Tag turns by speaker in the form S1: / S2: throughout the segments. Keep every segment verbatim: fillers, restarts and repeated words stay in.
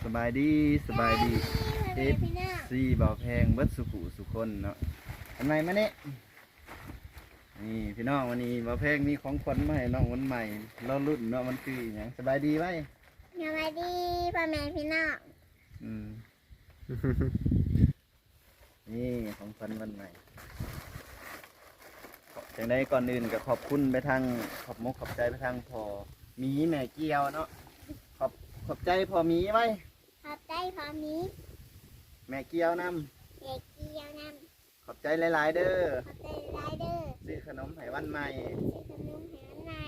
S1: บายดีสบายดีเอฟ
S2: พี่น้อง
S1: ซีบ่าวแพงเบิดสุขุสุคนเนาะทำไมมาเนี่ยนี่พี่น้องวันนี้บ่าวแพงมีของขวัญมาให้น้องวันใหม่รอรุ่นเนาะมันคืออหย่างสบายดีไหม
S2: สวัสดีพ่อแม่พี่น้อง
S1: อืม นี่ของขวัญวันใหม่จังได้ก่อนอื่นก็ขอบคุณไปทางขอบมกขอบใจไปทางพอมีแม่เกียวเนาะขอบขอบใจพอมีไว้
S2: ขอบใจพอมี
S1: แม่เกียวน
S2: ำเด็กเกียวน
S1: ำขอบใจหลายๆเด้อ
S2: ำขอบใจไรเดอร์
S1: ซื้อขนมไห้วันใหม่
S2: ซื้อขนมแหนใน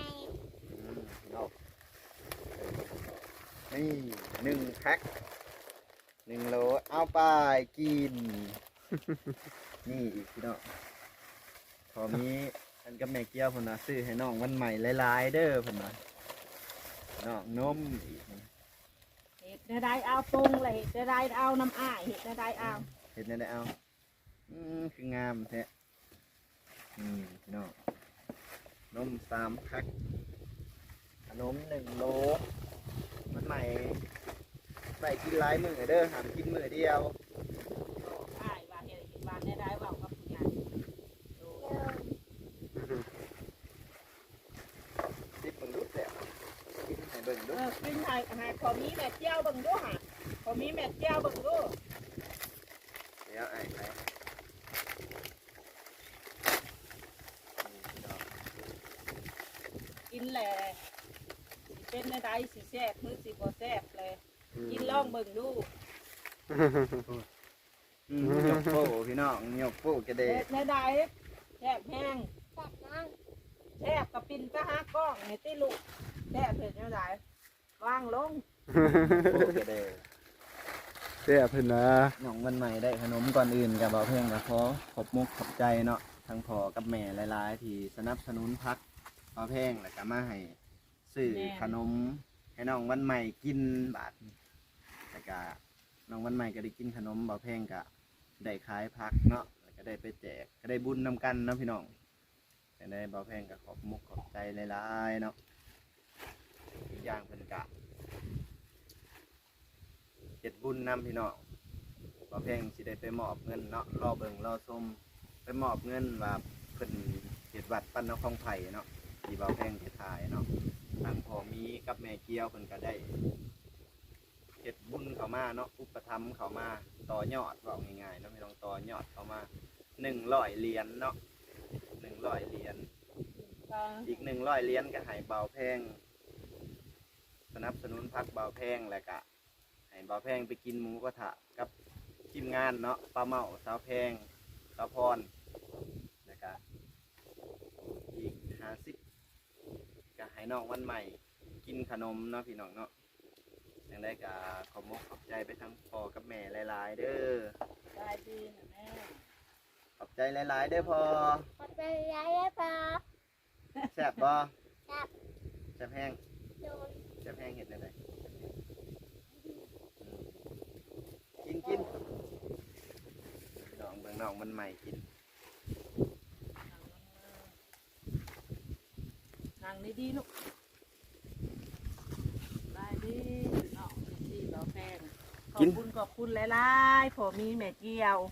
S1: นี่หนึ่งแพ็คหนึ่งโลเอาไปกิน นี่อีกพี่น้องพอมีอันกับแม่เกี้ยวพนนะซื้อให้น้องวันใหม่หลายๆเด้อพนนะน้องนมอีก
S3: เห็ดได้ได้เอาปรุงเลยเห็ดได้ได้เอาน้ำอ้ายเห็ดได้ได้เอา
S1: เห็ดได้เอาอืมคืองามแท้อืมพี่น้องนมสามแพ็คขนมหนึ่งโลวันใหม่ใส่กินหลายมื้อเด้อห้ามกินมื้อเดียว
S3: อ้ายว่าเห็ดบ้านได้ได้ว่ากับผู้ใหญ่
S1: ติดเบิ่งดูแซ่บกินให้เบิ่งดู
S3: เออกินให้ให้พอมีแม่เจ้าเบิ่งดูฮะพอมีแม่เจ้าเบิ่งดู
S1: เดี๋ยวไอ้ใคร
S3: กินแหละเป็นในใดสิแซ่บมือสิบ่แซ่บเลยกินลองเบิ่งดู
S1: ยกโป้พี่น้องยกโป้กระเดะ
S3: ในใดแซ่บแห้ง
S2: แซ่บน้อง
S3: แซ่บกับปิ่นก็หากล้องในตีลูกแซ่บเผ็ดในใดวางลง
S1: โป้กระเดะ
S4: เสียเพิ่นนะ
S1: น้องวันใหม่ได้ขนมก่อนอื่นกับบ่าวเพ่งกับพอขอบมุกขอบใจเนาะทั้งพอกับแม่หลายๆที่สนับสนุนพักบ่าวเพ่งแล้วก็มาให้ซื้อขนมให้น้องวันใหม่กินบาทแล้วก็น้องวันใหม่ก็ได้กินขนมบ่าวเพ่งก็ได้ขายพักเนาะแล้วก็ได้ไปแจกก็ได้บุญนำกันเนาะพี่น้องแต่ได้บ่าวเพ่งกับขอบมุกขอบใจหลายๆเนาะอีกอย่างเพิ่นกะเจ็ดบุญนำพี่น้องบ่าวเพ่งสิได้ไปมอบเงินเนาะรอเบิ่งรอชมไปมอบเงินว่าเพิ่นเฮ็ดวัดปั้นนครไผ่เนาะที่บ่าวเพ่งเฮ็ดถ่ายเนาะทางพ่อมีกับแม่เกี้ยวเพิ่นก็ได้เฮ็ดบุญเข้ามาเนาะอุปถัมภ์เข้ามาต่อยอดว่าง่ายๆเนาะพี่น้องต่อยอดเข้ามาหนึ่งร้อยเหรียญเนาะหนึ่งร้อยเหรียญอีกหนึ่งร้อยเหรียญก็ให้บ่าวเพ่งสนับสนุนพรรคบ่าวเพ่งแล้วก็ให้บ่าวแพงไปกินหมูกระทะกับทีมงานเนาะปลาเมาสาวแพงสาวพรแล้วก็อีกห้าสิบก็ให้น้องวันใหม่กินขนมเนาะพี่น้องเนาะอย่างได้ก็ขอบมกขอบใจไปทั้งพ่อกับแม่หลายๆเด้อ
S3: ได้ดีนะแม่
S1: ขอบใจหลายๆเด้อพ่อ
S2: ขอบใจไรเดอร์พ่อ
S1: แซ่บบ่
S2: แซ่บ
S1: แซ่บแห้ง
S2: โดน
S1: แซ่บแห้งเห็ดอะไรกินกินน้องเบิ่งน้องมันใหม่กิน
S3: นั่งดีๆลูกได้ดีน้องดีเราแพงขอบคุณขอบคุณหลายๆผมมีแม่เกียว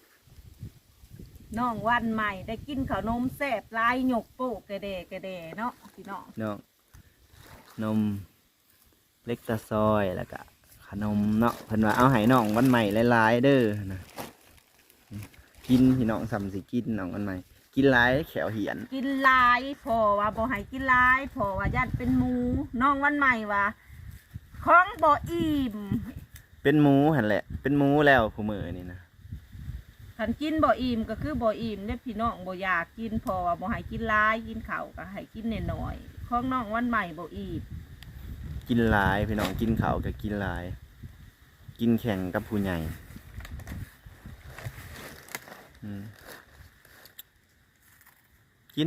S3: น้องวันใหม่ได้กินขนมแซ่บลายหยกโป๊กกระเดะกระเดะเนาะพี่น้อง
S1: น้องนมเล็กตะซอยแล้วก็ขนมเนาะเพิ่นว่าเอาให้น้องวันใหม่หลายๆเด้อนะกินพี่น้องสำสิกินน้องวันใหม่กินหลายแขวเหียน
S3: กินหลายพอว่าบ่ให้กินหลายพอว่าญาติเป็นหมูน้องวันใหม่ว่าของบ่อิ่ม
S1: เป็นหมูหั่นแหละเป็นหมูแล้วผู้มื้อนี่นะ
S3: คันกินบ่อิ่มก็คือบ่อิ่มเด้พี่น้องบ่อยากกินพอว่าบ่ให้กินหลายกินข้าวก็ให้กินน้อยๆของน้องวันใหม่บ่อิ่ม
S1: กินหลายพี่น้องกินข้าวก็กินหลายกินแข่งกับผู้ใหญ่กิน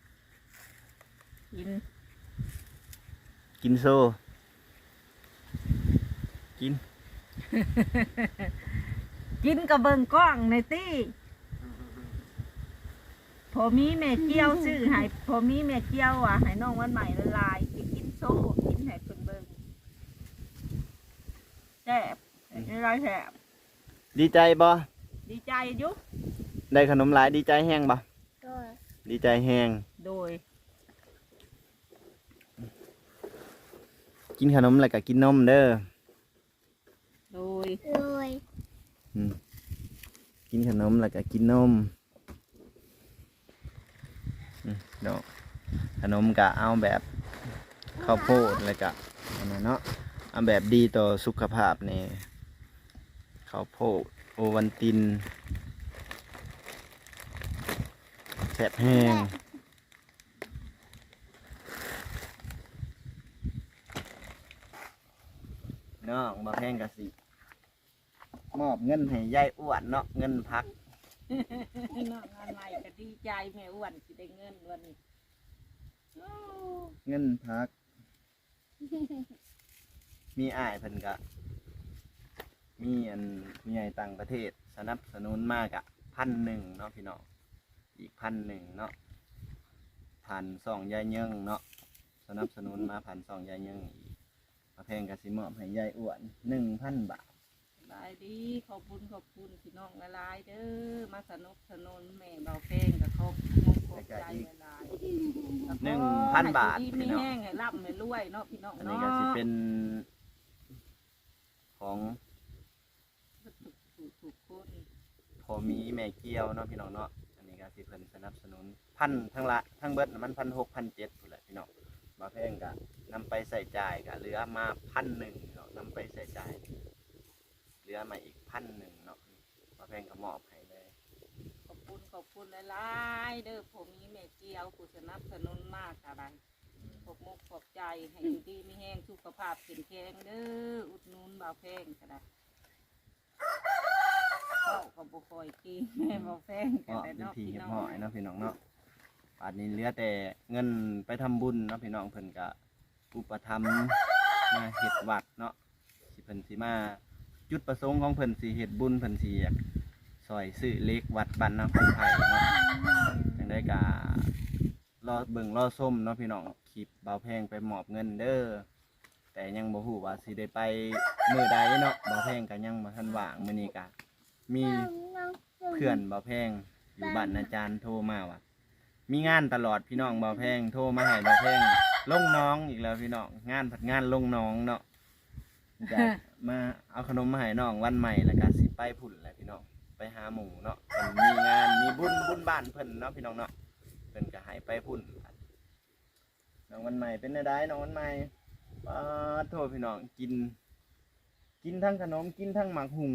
S3: กิน
S1: กินโซ่กิน
S3: กินกับเบิ่งกล้องในตี้พอมีแม่เกี้ยวซื้อให้พอมีแม่เกี้ยวอ่ะให้น้องวันใหม่ละลายกินโซ่กินให้เพิ่นเบิ่ง ใจซ่บนี่ไรแซ่บ
S1: ดีใจบ่
S3: ดีใจอยุ
S1: ได้ขนมหลายดีใจแห้งบ่
S2: โดย
S1: ดีใจแห้ง
S3: โดย
S1: กินขนมแล้วก็กินนมเด้อ
S3: โดย
S2: โดย
S1: อืมกินขนมแล้วก็กินนมอืมเนาะขนมก็เอาแบบข้าวโพดแล้วก็อันนั้นเนาะเอาแบบดีต่อสุขภาพนี่ข้าวโพดโอวัลตินแซ่บแห้งเนาะบ่แพงกะสิมอบเงินให้ยายอ้วนเนาะเงินพัก
S3: น้องงานใหม่ก็ดีใจแม่อ้วนสิได้เงินวันนี้โอ้
S1: เงินพัก มีอ้ายเพิ่นก็มีอันมีใหญ่ต่างประเทศสนับสนุนมากอะพันหนึ่งเนาะพี่น้องอีกพันหนึ่งเนาะผ่านสองยายเยิงเนาะสนับสนุนมาผ่านสองยายเยิงอีกมาแพงกะสิมอบให้ยายอ้วนหนึ่งพันบาท
S3: หลายดีขอบคุณขอบคุณพี่น้องหลายๆเด้อมาสนุกสนุนแม่เบาเพลงกับครอบครัวขอบใจหลายๆ
S1: หนึ่งพันบาท
S3: ให้ดี
S1: พี่
S3: มี
S1: น้อง
S3: แห้งให้ร่ำให้รวยเนาะพี่น้อง
S1: อันนี้
S3: เนาะ
S1: ก็สิเป็นของ
S3: ถูกถูกคน
S1: พอมีแม่เกี้ยวเนาะพี่น้องเนาะอันนี้ก็สิเพิ่นสนับสนุนพันทั้งละทั้งเบิดน่ะมันพันหกพันเจ็ดพุ่นแหละพี่น้องมาแพงก็นำไปใส่จ่ายก็เหลือมาพันหนึ่งเนาะนำไปใส่จ่ายเหลือมาอีกพันหนึ่งเนาะมาแพงก็มอบให้เลย
S3: ขอบคุณขอบคุณหลายๆเด้อผมมีแม่เจียวผู้สนับสนุนมากอะไรขอบมุกขอบใจให้อยู่ดีมีแห้งสุขภาพแข็งแรงเด้ออุดหนุนเบาเพลงก็ได้เข้ากับบุคอยกินแม่เบาเพลงก็
S1: เนาะ
S3: ได้
S1: เป็น
S3: เนาะ
S1: ที
S3: พี่
S1: เฮ็ด
S3: น้อ
S1: ห
S3: ง
S1: อยเนาะพี่น้องเนาะป่านนี้เหลือแต่เงินไปทำบุญเนาะพี่น้องเพิ่นก็อุปถัมภ์มาเฮ็ดวัดเนาะสิเพิ่นสิมาจุดประสงค์ของเพิ่นสิเฮ็ดบุญเพิ่นสิอยากซอยซื้อเล็กวัดบ้านนาคงไผ่เนาะจังได้ก็รอเบิ่งรอส้มเนาะพี่น้องคลิปเบาแพงไปมอบเงินเด้อแต่ยังบ่ฮู้ว่าสิได้ไปมื้อใดเนาะเบาแพงก็ยังบ่ทันว่างมื้อนี้ก็มีเพื่อนเบาแพงอยู่บ้านอาจารย์โทรมาว่ามีงานตลอดพี่น้องเบาแพงโทรมาให้เบาแพงลงน้องอีกแล้วพี่น้องงานผัดงานลงน้องเนาะจะมาเอาขนมมาให้น้องวันใหม่แล้วก็สิไปพุ่นแหละพี่น้องไปหาหมูเนาะเพิ่นมีงานมีบุญบุญบ้านเพิ่นเนาะพี่น้องเนาะเพิ่นก็ให้ไปพุ่นน้องวันใหม่เป็นได้น้องวันใหม่ป้าดโทษพี่น้องกิน กินทั้งขนมกินทั้งหมักหุง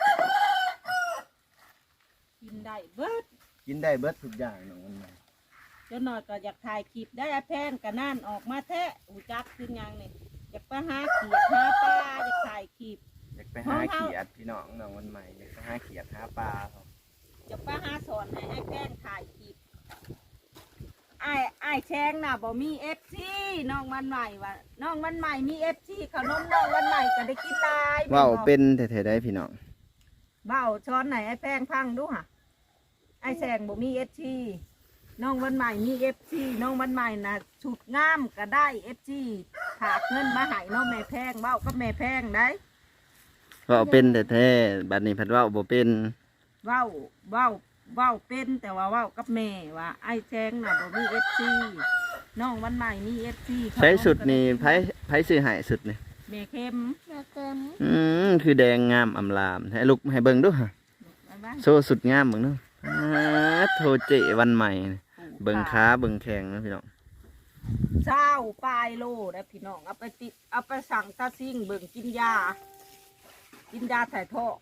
S3: กินได้เบิด
S1: กินได้เบิดทุกอย่างน้องวันใหม่
S3: จนหน่อยก็อยากถ่ายคลิปได้แพงกันนั่นออกมาแท้หูจักขึ้นยังนี่อยากไปหาเขียดหาปลาอยากถ่ายคลิป
S1: อยากไปหาเขียดพี่น้องน้องวันใหม่อยากไปหาเขียดหาปลาครับ
S3: อยากไปหาสอนให้ไอ้แพงถ่ายคลิปไอ้ไอ้แชงน่ะบ่มีเอฟซีน้องวันใหม่ว่ะน้องวันใหม่มีเอฟซีขนมน้องวันใหม่ก็ได้กินหลาย
S1: ว้าวเป็นแท้ๆได้พี่น้อง
S3: เบ้าช้อนไหนไอ้แพงพังดูห่ะไอ้แชงบ่มีเอฟซีน้องวันใหม่มีเอฟซีน้องวันใหม่น่ะชุดงามก็ได้เอฟซีฝากเงินมาให้น้องแม่แพงเบ้าก็แม่แพงได้
S1: ว้าวเป็นแท้ๆบัดนี้เพัดว้าวบ่เป็น
S3: เว้าเว้าเว้าเป็นแต่ว่าเว้ากับแม่ว่าไอ้แจงน่ะบ่มีเอฟซีน้องวันใหม่มีเอฟซี
S1: ใช้สุดนี่ไผไผซื้อให้สุดนี่
S3: แม่เข้ม
S2: มาเติม
S1: อืมคือแดงงามอำลามให้ลูกให้เบิ่งดูฮะ
S3: มาบ้าน
S1: โซสุดงามเบิ่งดูอ่าโทเจวันใหม่นี่เบิ่งขาเบิ่งแข้งนะพี่น้อง
S3: เช้าปลายโลได้พี่น้องเอาไปติดเอาไปสั่งตาซิ่งเบิ่งกินยา กินยาถ่ายท้อง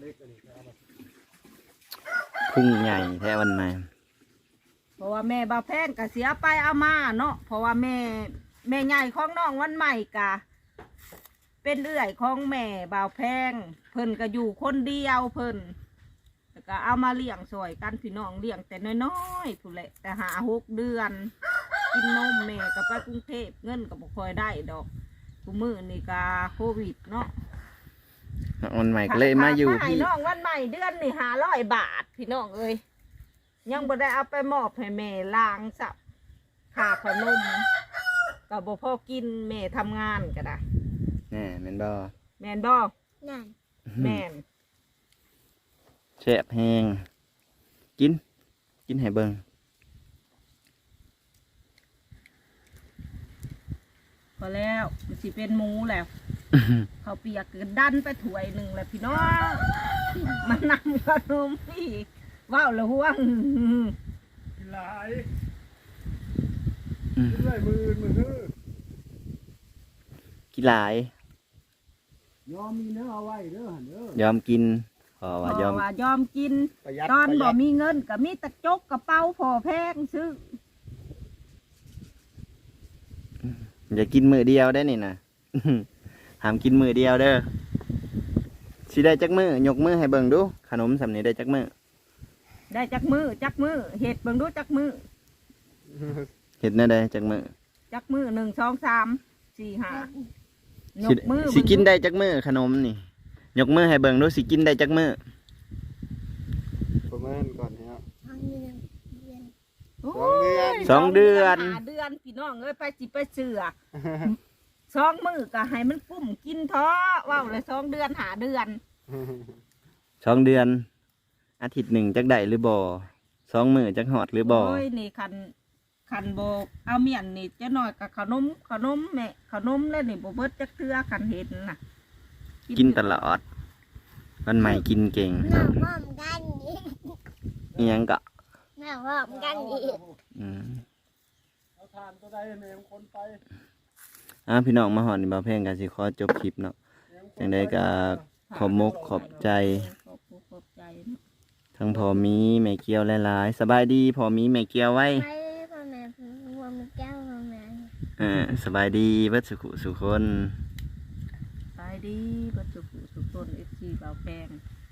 S1: พุ่งใหญ่แท้วันใหม่
S3: เพราะว่าแม่บ่าวแพงก็เสียไปเอามาเนาะเพราะว่าแม่แม่ใหญ่ของน้องวันใหม่กะเป็นเอื้อยของแม่บ่าวแพงเพิ่นก็อยู่คนเดียวเพิ่นแล้วก็เอามาเลี้ยงซอยกันพี่น้องเลี้ยงแต่น้อยๆผู้นแหละแต่หาหกเดือน กินนมแม่ก็ไปกรุงเทพเงินก็บ่ค่อยได้ดอกกูมือนี่ก็โควิดเนาะ
S1: วันใหม่ก็เลยมาอยู่
S3: ให้
S1: พี่
S3: น้องวันใหม่เดือนนี่ห้าร้อยบาทพี่น้องเอ้ยยังบ่ได้เอาไปมอบให้แม่ล้างสับค่าขนมก็บ่พอกินแม่ทำงานก็ได้
S1: แน่แม่นบ่
S3: แม่นบ่
S2: นั่น
S3: แม่น
S1: แซ่บแห้งกิน กินให้เบิ่ง
S3: พอแล้วมันสิเป็นหมูแล้วเขาวเปียกก็ดันไปถ้วยหนึ่งแล้วพี่น้อง มันนำขนมอีกว้าวแล้วห่วง
S4: หลายเรื่อยมือมือฮื้อ
S1: กินหลาย
S4: ยอมมีเนื้อเอาไว้เด้อหั่นเด้อย
S1: อมกินพอ
S3: เพ
S1: ว่ายอ
S3: ราะ
S1: ม
S3: ว่ายอมกิน
S4: ประหยัด
S3: ตอน
S4: ประห
S3: บ่
S4: ยัด
S3: มีเงินก็มีตะจกกระเป๋าพอแพงซื้อ
S1: อย่ากินมือเดียวได้นี่นะ ห้ามกินมือเดียวเด้อสิได้จักมือยกมือให้เบิ่งดู ขนมสำนี้ได้จักมือ
S3: ได้จักมือจักมือเห็ดเบิ่งดูจักมือ
S1: เห็ดแน่ได้จักมือ
S3: จักมือหนึ่งสองสามสี่ห้า ย
S1: สิ
S3: กมือ
S1: สิกินได้จักมือขนมนี่ ยกมือให้เบิ่งดูสิกินได้จักมือ
S4: ประมาณก่อนเนี่ย
S2: ทางเดือนเดือน
S3: โอ้ย
S1: สองเดือน
S3: หาเดือนพี่น้องเอ้ยไปสิไปเสือสองมือก็ให้มันกุ้มกินท้อว้าวเลยสองเดือนหาเดือน
S1: สองเดือน อาทิตย์หนึ่งจักได้หรือบ่สองมือจักหอดหรือบ่
S3: โอ้ยนี่คันคันโบเอาเมียนนี่จะน้อยกับขนมขนมแม่ขนมแล้วนี่โบเบิดจักเทือคันเห็นน่ะ
S1: กินตลอด วันใหม่กินเก่ง
S2: หน้าพร้อมกันอีก
S1: อิหยังก็
S2: หน้าพร้อมกันอีก
S1: อืม
S4: เอาทานก็ได้แม่งคนไป
S1: อ่าพี่น้องมาหอดนี่บ่าวแพงกันสิขอจบคลิปเนาะ จังใดก็ขอบมกขอบใจ
S3: ขอบคุณขอบใจเนาะ
S1: ทั้งพอมีแม่เกียวหลายๆสบายดีพอมีแม่เกียวไว้
S2: ไปพ่อแม่พ่อแม่แก้วพ่อแม่
S1: เออสบายดีเบิดสุขุสุคน
S3: ไปดีบัดสุขสุขต้นเอฟซีเบาแปง